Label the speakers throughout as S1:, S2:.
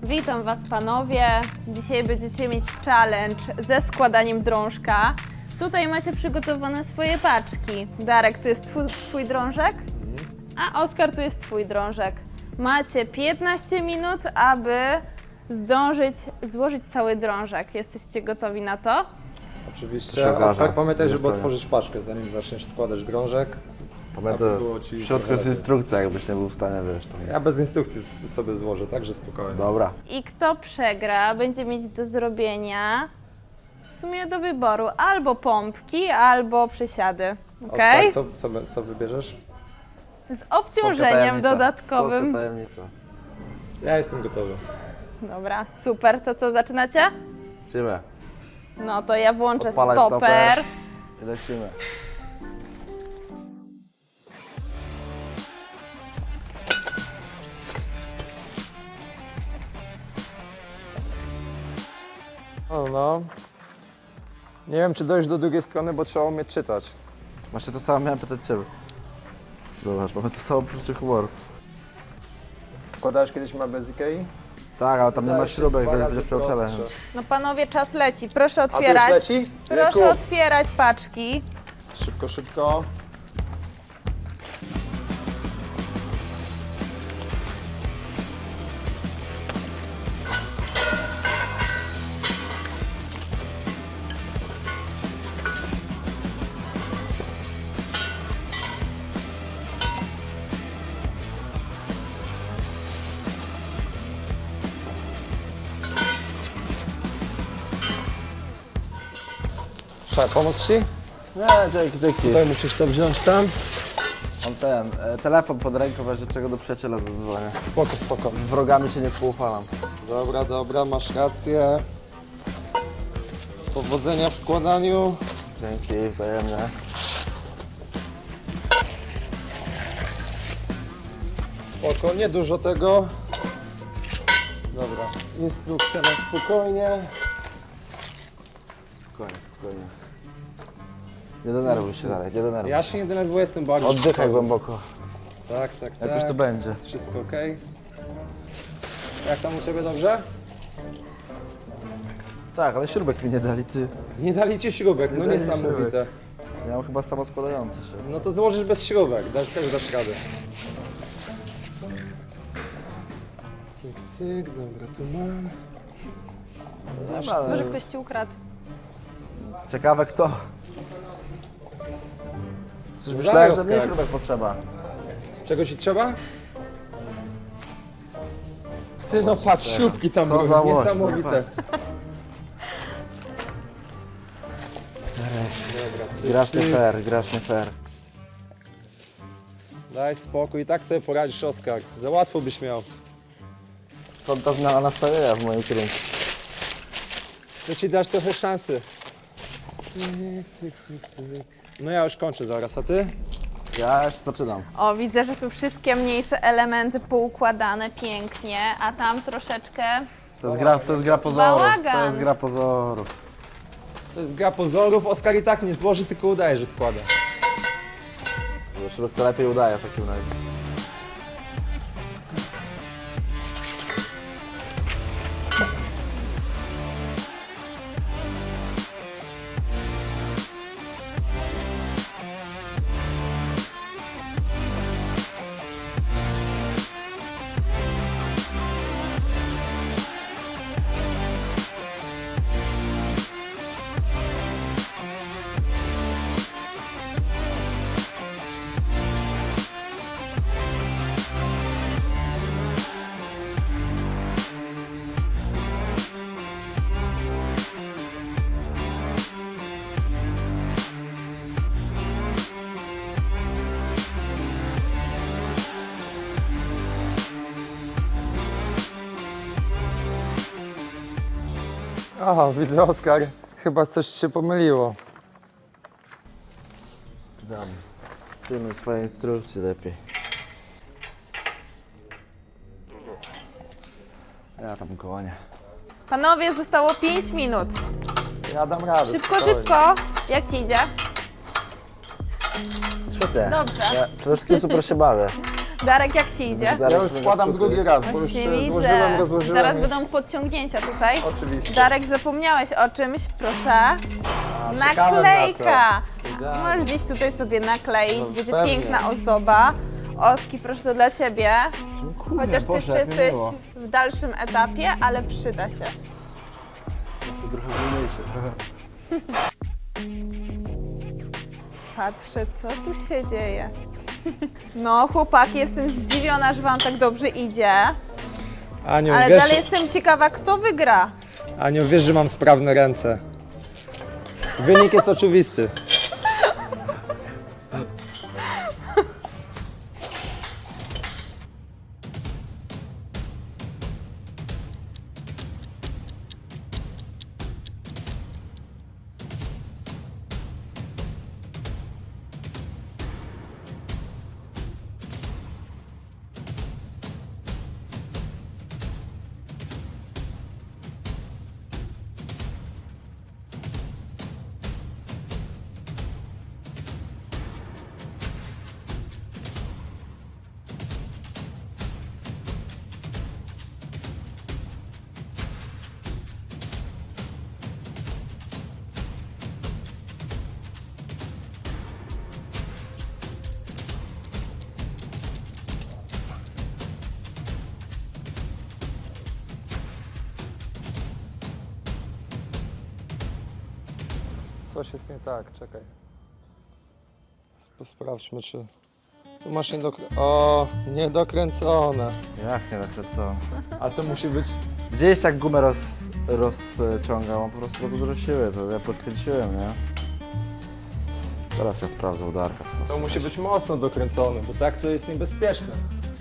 S1: Witam Was panowie. Dzisiaj będziecie mieć challenge ze składaniem drążka. Tutaj macie przygotowane swoje paczki. Darek, tu jest twój drążek, a Oskar, tu jest twój drążek. Macie 15 minut, aby zdążyć złożyć cały drążek. Jesteście gotowi na to?
S2: Oczywiście. Oskar, pamiętaj, żeby otworzyć paczkę, zanim zaczniesz składać drążek.
S3: Pamiętaj,
S2: było ci
S3: w środku jest instrukcja, jakbyś nie był w stanie, wiesz. Tam.
S2: Ja bez instrukcji sobie złożę, także spokojnie.
S3: Dobra.
S1: I kto przegra, będzie mieć do zrobienia, w sumie do wyboru, albo pompki, albo przysiady. Okej?
S2: Oskar, co wybierzesz?
S1: Z obciążeniem
S3: Słodka
S1: dodatkowym.
S3: tajemnica.
S2: Ja jestem gotowy.
S1: Dobra, super. To co, zaczynacie?
S3: Lecimy.
S1: No to ja włączę
S3: Odpalaj
S1: stoper.
S3: I lecimy.
S2: No. Nie wiem, czy dojść do drugiej strony, bo trzeba umieć czytać.
S3: Właśnie to samo miałem pytać Ciebie. Zobacz, mamy to samo poczucie humoru.
S2: Składałeś kiedyś mebel z Ikei?
S3: Tak, ale tam nie ma
S2: Wydaje się
S3: śrubek,
S2: dwa
S3: więc
S2: razy
S3: będziesz miał challenge.
S2: prostsze.
S1: No panowie, czas leci. Proszę
S2: A to już
S1: otwierać.
S2: leci?
S1: Proszę
S2: Jejku.
S1: otwierać paczki.
S2: Szybko, szybko. Trzeba pomóc Ci?
S3: Nie, dzięki.
S2: Tutaj musisz to wziąć tam.
S3: Mam telefon pod ręką, w razie czego do przyjaciela zadzwonię.
S2: Spoko, spoko.
S3: Z wrogami się nie współufalam.
S2: Dobra, masz rację. Powodzenia w składaniu.
S3: Dzięki, wzajemnie.
S2: Spoko, nie dużo tego. Dobra, instrukcja na spokojnie.
S3: Spokojnie. Nie denerwuj się dalej, nie denerwuj.
S2: Ja się nie denerwuję, jestem bardzo
S3: Oddychaj
S2: spokojny.
S3: głęboko.
S2: Tak.
S3: Jakoś to będzie.
S2: Jest wszystko ok. Jak tam u Ciebie, dobrze?
S3: Tak, ale śrubek mi nie dali, ty.
S2: Nie dali Ci śrubek, no
S3: dali
S2: niesamowite.
S3: Ja mam chyba samo składający się.
S2: No to złożysz bez śrubek, też dasz radę. Cyk, dobra, tu mam.
S1: Może ktoś ci ukradł.
S3: Ciekawe kto. Coś
S2: Daj,
S3: myślałem, że mniej
S2: Oskar.
S3: śrubek potrzeba.
S2: Czego Ci trzeba? Ty no patrz, śrubki tam
S3: Co
S2: były,
S3: za łoś,
S2: niesamowite.
S3: no
S2: Dobra,
S3: Grasz nie fair.
S2: Daj spokój, i tak sobie poradzisz, Oskar. Za łatwo byś miał.
S3: Skąd ta zmiana nastawienia w moim kierunku?
S2: To Ci dasz trochę szansy. Cyk. No ja już kończę zaraz, a Ty?
S3: Ja już zaczynam.
S1: O, widzę, że tu wszystkie mniejsze elementy poukładane pięknie, a tam troszeczkę...
S3: To jest gra pozorów.
S1: Bałagan.
S3: To jest gra pozorów.
S2: To jest gra pozorów, Oskar i tak nie złoży, tylko udaje, że składa.
S3: Śrubek to lepiej udaje w takim razie.
S2: Aha, widzę, Oskar. Chyba coś się pomyliło.
S3: Dam. Pilnuj swoje instrukcje lepiej. Ja tam gonię.
S1: Panowie, zostało 5 minut.
S2: Ja dam radę.
S1: Szybko. Jak ci idzie?
S3: Świetnie.
S1: Dobrze.
S3: Ja przede wszystkim super się bawię.
S1: Darek, jak ci idzie?
S3: Darek
S2: Ja już składam drugi raz, bo już
S1: Właśnie widzę.
S2: złożyłem, rozłożyłem.
S1: Zaraz
S2: i-
S1: będą podciągnięcia tutaj.
S2: Oczywiście.
S1: Darek, zapomniałeś o czymś, proszę.
S2: czekałem na
S1: Naklejka!
S2: to. Idealnie.
S1: Możesz gdzieś tutaj sobie nakleić,
S2: No,
S1: będzie
S2: pewnie.
S1: piękna ozdoba. Oski, proszę, to dla Ciebie.
S3: Dziękuję,
S1: Chociaż Ty
S3: Boże,
S1: jeszcze
S3: jak mi
S1: jesteś
S3: miło.
S1: w dalszym etapie, ale przyda się.
S3: Jestem trochę wolniejszy.
S1: Patrzę, co tu się dzieje. No, chłopaki, jestem zdziwiona, że Wam tak dobrze idzie.
S2: Aniu,
S1: Ale
S2: wiesz,
S1: dalej jestem ciekawa, kto wygra.
S2: Aniu, wiesz, że mam sprawne ręce. Wynik jest oczywisty. Coś jest nie tak, czekaj. Sprawdźmy, czy... Tu masz niedokręcone.
S3: Jak nie tak co?
S2: A to musi być...
S3: Gdzieś jak gumę rozciągał, on po prostu bardzo dużo siły, to ja podkręciłem, nie? Teraz ja sprawdzę u Darka, co
S2: To musi być mocno dokręcone, bo tak to jest niebezpieczne.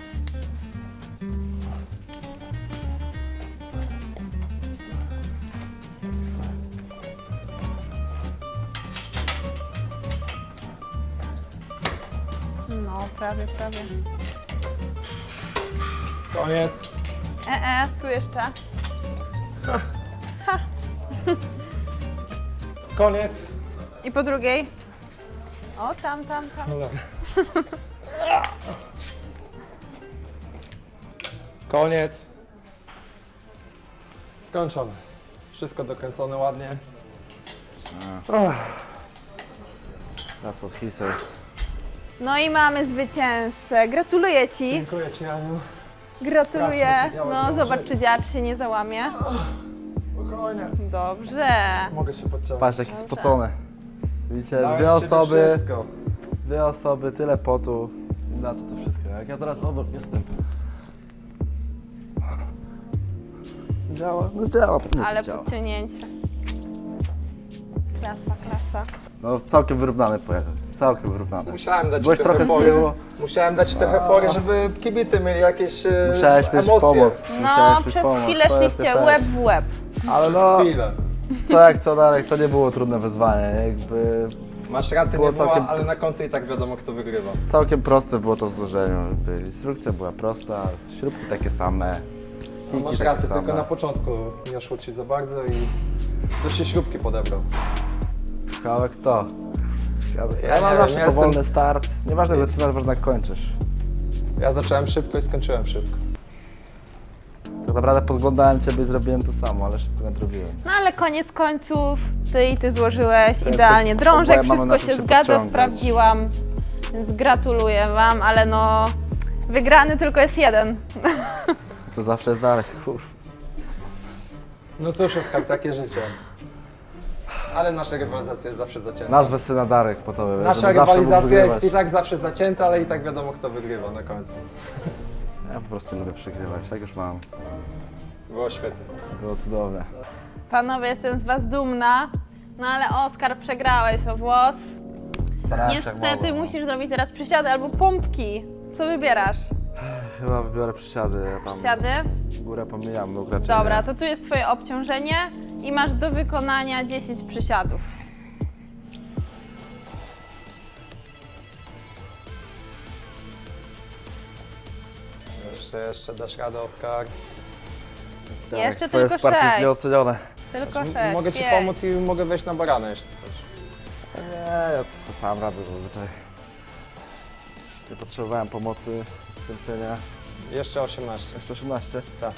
S1: No, prawie.
S2: Koniec.
S1: Tu jeszcze.
S2: Koniec.
S1: I po drugiej. O, tam.
S2: Dobra. Koniec. Skończone. Wszystko dokręcone ładnie.
S3: That's what he says.
S1: No i mamy zwycięzcę. Gratuluję Ci.
S2: Dziękuję Ci, Aniu.
S1: Gratuluję.
S2: Strasznie się działo,
S1: No,
S2: dobrze.
S1: zobacz, czy dziarz się nie załamie.
S2: Spokojnie.
S1: Dobrze.
S2: Mogę się podciągnąć.
S3: Patrz, jaki spocony. Widzicie,
S2: Dałem
S3: dwie
S2: z siebie
S3: osoby,
S2: wszystko.
S3: tyle potu. Na co to wszystko? Jak ja teraz obok jestem. Działa, no działa, pewnie
S1: Ale
S3: działa.
S1: podciągnięcie. Klasa.
S3: No całkiem wyrównany pojechał, całkiem wyrównany.
S2: Musiałem dać
S3: Byłeś trochę z tyłu,
S2: Musiałem dać trochę fory, żeby kibice mieli jakieś
S3: musiałeś mieć
S2: emocje.
S3: pomoc.
S1: No,
S3: musiałeś mieć
S1: przez
S3: pomoc,
S1: chwilę
S3: to jest
S1: szliście
S3: efekt.
S1: łeb w łeb.
S3: Ale no,
S2: Chwilę.
S3: co jak co Darek, to nie było trudne wyzwanie, jakby
S2: Masz rację,
S3: Było
S2: nie była,
S3: całkiem-
S2: ale na końcu i tak wiadomo, kto wygrywa.
S3: całkiem proste było to w złożeniu. Jakby instrukcja była prosta, śrubki takie same.
S2: No,
S3: piki
S2: masz
S3: takie
S2: rację,
S3: same.
S2: tylko na początku nie szło Ci za bardzo i ktoś się śrubki podebrał.
S3: Kawałek to. Ja
S2: nie
S3: mam
S2: wiem,
S3: zawsze
S2: ja
S3: powolny start. Nieważne jak zaczynasz, ważne jak kończysz.
S2: Ja zacząłem szybko i skończyłem szybko.
S3: Tak naprawdę podglądałem Ciebie i zrobiłem to samo, ale szybko nadrobiłem.
S1: No ale koniec końców, Ty złożyłeś
S3: jest
S1: idealnie.
S3: tak,
S1: Drążek,
S3: oboje mamy na
S1: wszystko
S3: czym
S1: się
S3: się
S1: zgadza,
S3: podciągać.
S1: sprawdziłam. Więc gratuluję Wam, ale no... Wygrany tylko jest jeden.
S3: To zawsze jest Darek, kurwa.
S2: No cóż, Oskar, takie życie. Ale nasza rywalizacja jest zawsze zacięta.
S3: Nazwę syna Darek po tobie.
S2: Nasza
S3: żeby zawsze mógł
S2: rywalizacja jest
S3: wygrywać.
S2: i tak zawsze zacięta, ale i tak wiadomo, kto wygrywa na końcu.
S3: Ja po prostu lubię przegrywać, tak już mam.
S2: Było świetnie.
S3: Było cudowne.
S1: Panowie, jestem z Was dumna. No ale Oskar, przegrałeś o włos.
S3: Starałem się jak
S1: Niestety
S3: mogłem.
S1: musisz zrobić teraz przysiady albo pompki. Co wybierasz?
S3: Chyba wybiorę przysiady, ja tam
S1: Przysiady?
S3: górę pomijam, nóg raczej
S1: Dobra,
S3: nie.
S1: to tu jest Twoje obciążenie i masz do wykonania 10 przysiadów.
S2: Jeszcze dasz radę, Oskar.
S3: Darek,
S1: Jeszcze
S3: twoje
S1: tylko
S3: wsparcie jest
S1: 6.
S3: nieocenione.
S1: Tylko 6.
S2: Mogę Ci pomóc i mogę wejść na barana jeszcze coś.
S3: Nie, ja to sam radzę zazwyczaj. Nie potrzebowałem pomocy, skręcenia.
S2: Jeszcze 18.
S3: Jeszcze 18?
S2: Tak.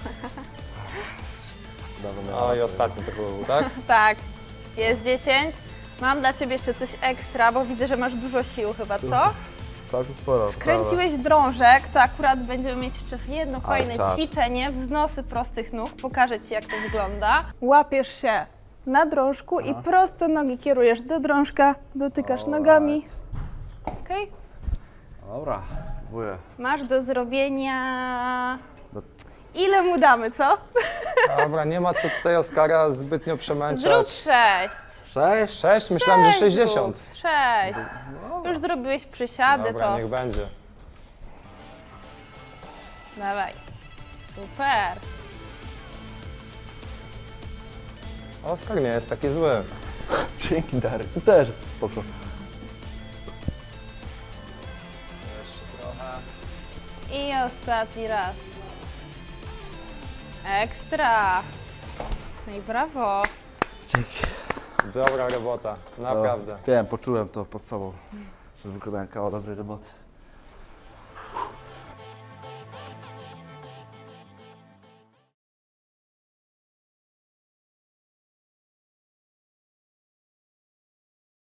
S3: Dawno miałem
S2: O i
S3: łatwiej.
S2: ostatni to był, tak?
S1: Tak, jest 10. Mam dla Ciebie jeszcze coś ekstra, bo widzę, że masz dużo sił chyba, co?
S3: Całkiem sporo.
S1: Kręciłeś drążek, to akurat będziemy mieć jeszcze jedno fajne
S3: czad.
S1: ćwiczenie, wznosy prostych nóg. Pokażę Ci, jak to wygląda. Łapiesz się na drążku i prosto nogi kierujesz do drążka, dotykasz nogami. Okej?
S3: Dobra, próbuję.
S1: Masz do zrobienia...
S3: Do-
S1: Ile mu damy, co?
S2: Dobra, nie ma co tutaj Oskara zbytnio
S1: Zrób
S2: przemęczać.
S1: 6.
S3: 6?
S2: 6? Myślałem, że 60.
S1: 6. Już zrobiłeś przysiady,
S2: Dobra,
S1: to
S2: niech będzie.
S1: dawaj. Super.
S2: Oskar nie jest taki zły.
S3: Dzięki Darek, ty też spoko.
S2: Jeszcze trochę.
S1: I ostatni raz. Ekstra. No i brawo.
S3: Dzięki.
S2: Dobra robota, naprawdę.
S3: Wiem, poczułem to pod sobą, że wykonałem kawał dobrej roboty.